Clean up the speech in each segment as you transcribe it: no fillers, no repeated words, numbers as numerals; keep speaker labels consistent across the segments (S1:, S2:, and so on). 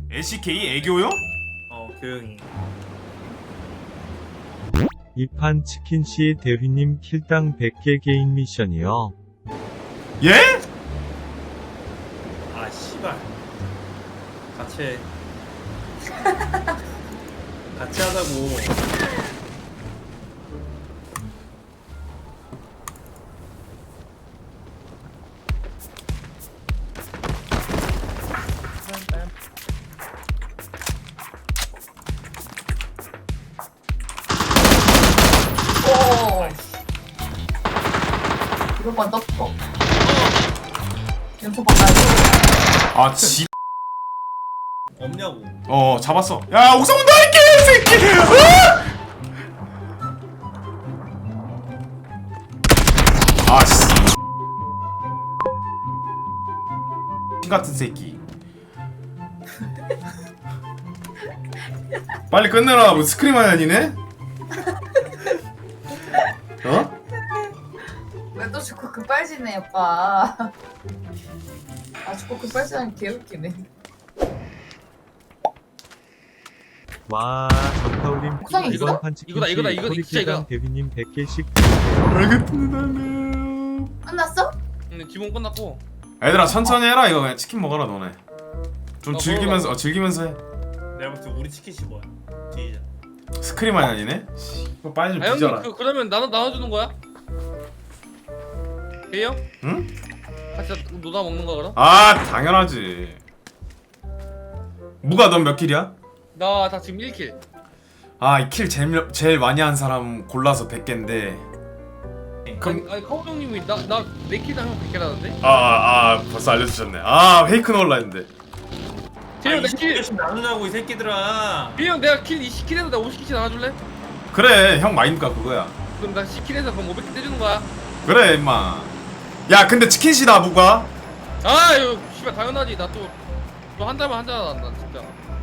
S1: LCK 애교요?
S2: 교영이.
S3: 이판 치킨씨 대휘님 킬당 100개 개인 미션이요.
S1: 예?
S2: 아 씨발. 같이 해. 같이 하자고.
S4: 이것만 넣고 연속 바꿔야지.
S1: 아 지.
S2: 없냐고.
S1: 잡았어. 야 옥상 온다 이 개새끼. 아씨. 같은 새끼. 빨리 끝내라. 뭐 스크림하냐 니네? 어?
S4: 왜 또 죽고 급발지네 오빠. 아 죽고 급발지하니 개웃기네.
S3: 와, 전타올림
S4: 옥상에 있어?
S3: 이번 판 치킨씨
S5: 이거다, 이거
S3: 소리
S5: 진짜
S3: 킬당
S5: 이거.
S3: 대휘님 100개씩.
S1: 알겠습니다.
S4: 끝났어?
S5: 기본 끝났고.
S1: 얘들아 천천히 해라. 이거 그냥 치킨 먹어라 너네. 좀
S5: 나
S1: 즐기면서 즐기면서 해.
S2: 내가 볼때 우리 치킨이 뭐야? 뒤이자.
S1: 스크림하냐 니네? 이거 빨리 좀
S5: 아
S1: 뒤져라.
S5: 형님 그러면 나눠주는 거야? 돼요?
S1: 응?
S5: 같이 노다 먹는 거 그럼?
S1: 아 당연하지. 무가 넌 몇 킬이야?
S5: 나 다 지금 1킬.
S1: 아 이 킬 제일 많이 한 사람 골라서 100개인데. 그럼
S5: 아니 카오 형님이 나 4킬당 형 100개라는데?
S1: 벌써 알려주셨네. 아 페이크 넣을라 했는데.
S5: 재영 나 킬!
S2: 20개씩 나누자고 이 새끼들아.
S5: 재영 내가 킬 20킬해서 나 50킬씩 나눠줄래?
S1: 그래 형 마인드가 그거야.
S5: 그럼 나 10킬해서 그럼 500킬 떼주는 거야.
S1: 그래 임마. 야 근데 치킨시다 무가.
S5: 아 이거 씨발 당연하지. 나 또 한 달만 한잔 한다 진짜.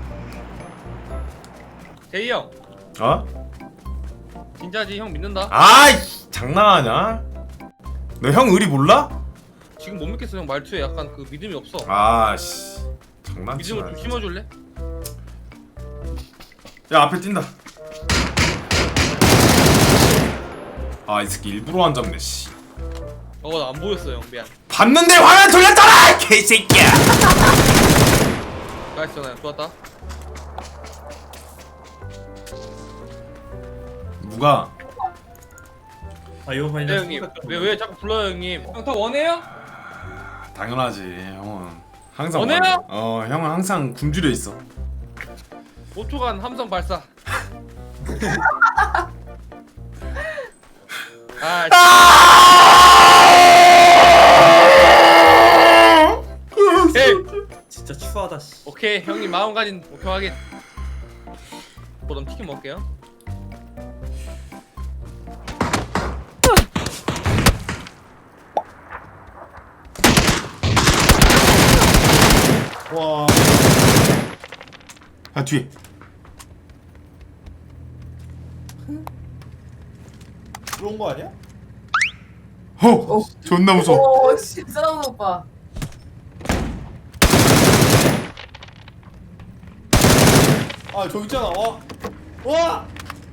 S5: 제이 형
S1: 어?
S5: 진짜지 형 믿는다.
S1: 아이 장난하냐? 너 형 의리 몰라?
S5: 지금 못 믿겠어 형 말투에 약간 그 믿음이 없어.
S1: 아씨 장난치나.
S5: 믿음을 좀 심어줄래?
S1: 야 앞에 뛴다. 아 이 새끼 일부러 안 잡네 씨.
S5: 나 안 보였어 형 미안.
S1: 봤는데 화면 돌렸잖아 개새끼야.
S5: 나이스 나 좋았다.
S1: 무가
S2: 아 이거 봐
S5: 네
S2: 이제.
S5: 형님 왜 자꾸 불러요 형님? 형 다 원해요?
S1: 당연하지 형은 항상
S5: 원해요?
S1: 형은 항상 굶주려 있어.
S5: 5초간 함성 발사. 아, 오케이
S2: 진짜 추하다 씨.
S5: 오케이 형님 마음가짐 오케이 하긴. 그럼 치킨 먹을게요.
S1: 와. 야 뒤에.
S2: 그런 거 아니야?
S1: 존나 무서워.
S4: 오 씨, 사람 오빠.
S2: 아 저기 있잖아. 와. 와.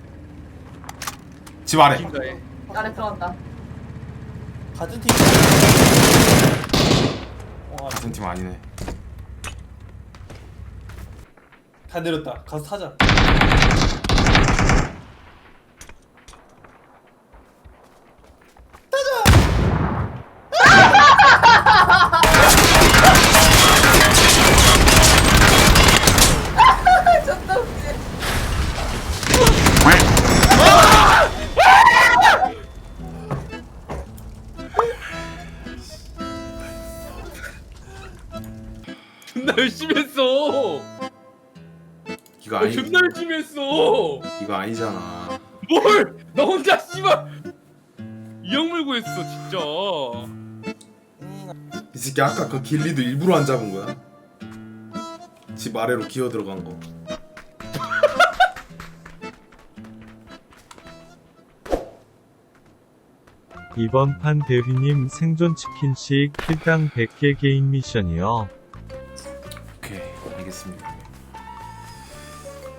S1: 집 아래.
S5: 진짜에.
S4: 아래 들어간다.
S2: 같은 팀. 와,
S1: 같은 팀 아니네.
S2: 다 내렸다. 가서 타자.
S4: 존나 웃지.
S5: 존나 열심히 했어.
S1: 이거
S5: 나 존나 열심히 했어.
S1: 이거 아니잖아.
S5: 뭘? 나 혼자 씨발 이형 물고 했어 진짜.
S1: 이 새끼 아까 그 길리도 일부러 안 잡은 거야. 집 아래로 기어 들어간 거.
S3: 이번 판 대휘님 생존 치킨씩 킬당 100개 개인 미션이요.
S1: 오케이 알겠습니다.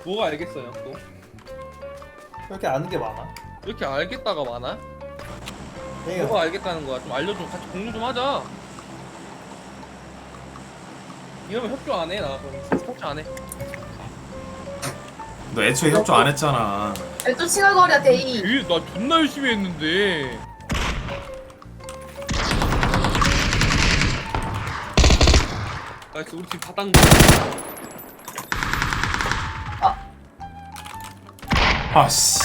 S5: 뭐가 알겠어요 또?
S2: 이렇게 아는 게 많아.
S5: 이렇게 알겠다가 많아?
S2: 얘가
S5: 뭐가 알겠다는 거야? 좀 알려줘. 같이 공유 좀 하자. 이러면 협조 안 해. 나 그럼 협조 안 해.
S1: 너 애초에 협조 안 했잖아.
S4: 또 칭얼거려 데이.
S5: 나 존나 열심히 했는데. 나이스 우리 팀 다당.
S1: 아씨.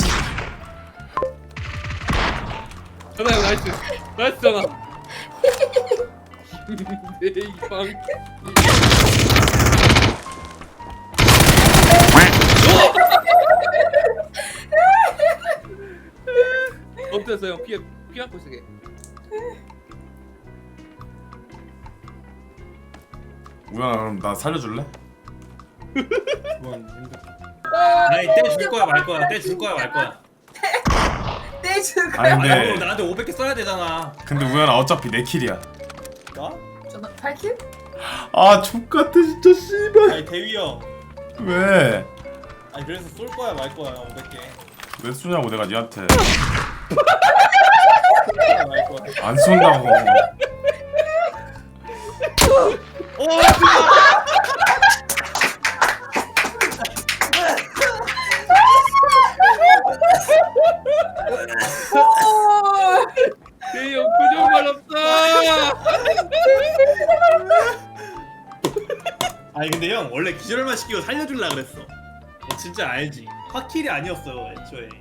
S5: 전화 형 나이스. 나이스 전화. 내 이방. 어땠어요? 피하고 있으게.
S1: 우연아 그럼 나 살려줄래?
S6: 아니 떼줄 거야 말 거야. 떼줄 거야 말 거야.
S4: 떼줄
S1: 아니
S4: 거야.
S1: 근데
S6: 아니 나한테 500개 써야 되잖아.
S1: 근데 우연아 어차피 내 킬이야.
S2: 나?
S4: 저는 8킬?
S1: 아 족같아 진짜 씨발.
S2: 아니 대위 형.
S1: 왜?
S2: 아니 그래서 쏠 거야 말 거야 500개.
S1: 왜 쏘냐고 내가 니한테.
S2: 쏠 거야 말 거야.
S1: 안 쏜다고.
S5: 대형 표정 말없다.
S6: 아니 근데 형 원래 기절만 시키고 살려줄라 그랬어. 너 진짜 알지? 화킬이 아니었어 애초에.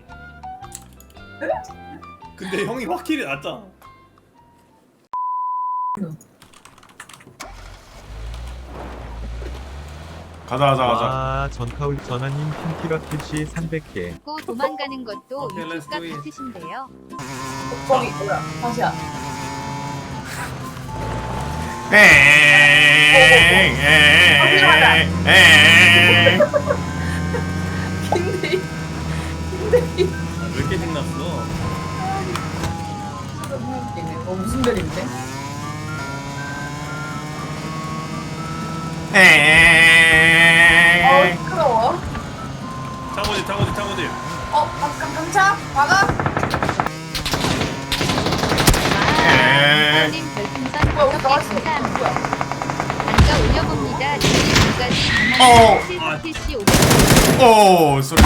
S6: 근데 형이 화킬이 났잖아.
S1: 가자.
S3: 와 전카울 전하님 핀키라 킬시 300개.
S7: 고 도망가는 것도
S6: 오케이, let's
S7: 유튜브가
S6: do it.
S7: 같으신데요.
S4: 저기 뭐야? 다시야. 근데
S6: 왜 이렇게 생났어?
S4: 너무 웃기네. 무슨 별인데? 시끄러워.
S6: 차고집.
S4: 깜짝 박아.
S7: 님 별풍선
S4: 뭐야, 우리
S7: 5개
S4: 나왔어.
S7: 감사합니다.
S4: 뭐야?
S7: 앉아 올려봅니다. 지금까지
S1: 어.
S7: 강한 킬시 500.
S1: 오 소리.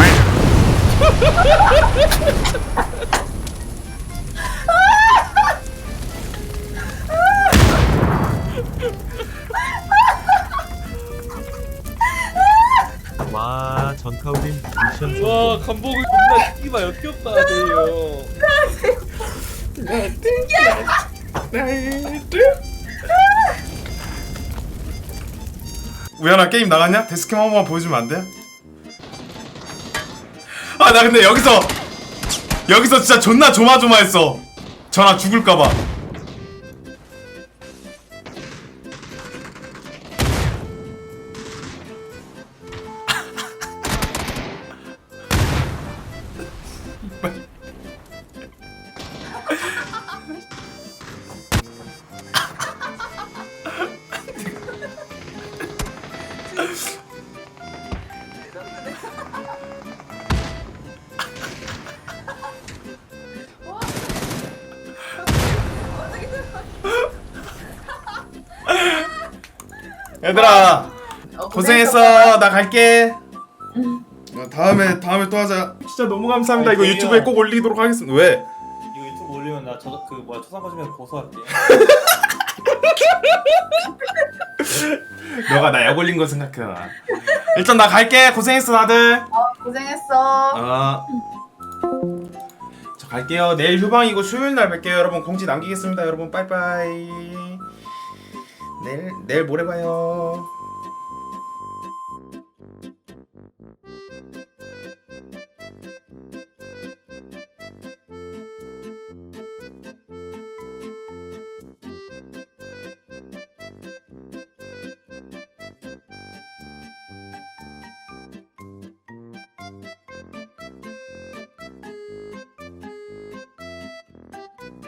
S3: 와 전카울님 미션
S5: 와
S3: 성공.
S5: 간복을 존나 시키마 역겹다 대형.
S1: 우연아 게임 나갔냐? 데스캠 한 번만 보여주면 안 돼? 아 나 근데 여기서 진짜 존나 조마조마했어. 전화 죽을까봐. 얘들아 고생했어. 나 갈게. 다음에 또 하자. 진짜 너무 감사합니다.
S2: 아니,
S1: 이거
S2: 저기요.
S1: 유튜브에 꼭 올리도록 하겠습니다. 왜?
S2: 이거 유튜브 올리면 나 초상 거시면 고소할게.
S1: 너가 나 약 올린 거 생각해라. 일단 나 갈게. 고생했어 다들.
S4: 고생했어.
S1: 자 갈게요. 내일 휴방이고 수요일 날 뵐게요. 여러분 공지 남기겠습니다. 여러분 빠이빠이. 내일 모레 봐요.